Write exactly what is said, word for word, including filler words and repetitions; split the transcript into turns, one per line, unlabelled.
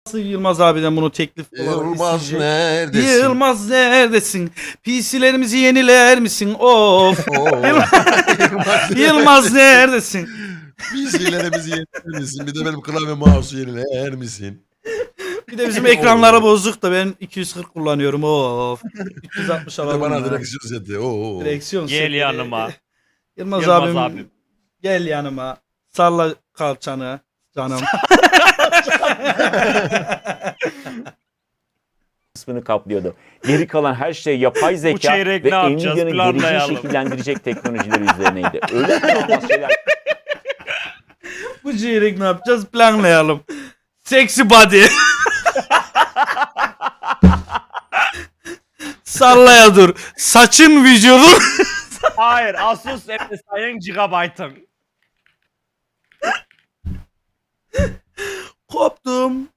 Yılmaz abiden bunu teklif olarak
Yılmaz
isteyecek.
neredesin?
Yılmaz neredesin? P C'lerimizi yeniler misin? Of.
Oo.
Yılmaz, Yılmaz neredesin?
P C'lerimizi yeniler misin? Bir de benim klavye mouse'u yeniler misin?
Bir de bizim ekranları bozduk da ben iki yüz kırk kullanıyorum. Of. üç yüz altmış
Bir de
alalım
bana
ya.
direksiyon seti. Oo.
Direksiyon
Gel
seti.
yanıma.
Yılmaz,
Yılmaz
abim,
abim.
gel yanıma. Salla kalçanı canım.
kısmını kaplıyordu. Geri kalan her şey yapay zeka
çeyrek
ve
ne yapacağız?
Nvidia'nın geleceği
Planlayalım.
şekillendirecek teknolojileri üzerineydi. Öyle inanılmaz şeyler
Bu çeyrek ne yapacağız? Planlayalım. Sexy body. Sallaya dur. Saçın vücudun.
Hayır, Asus M S I'ın gigabyte'ın.
Koptum.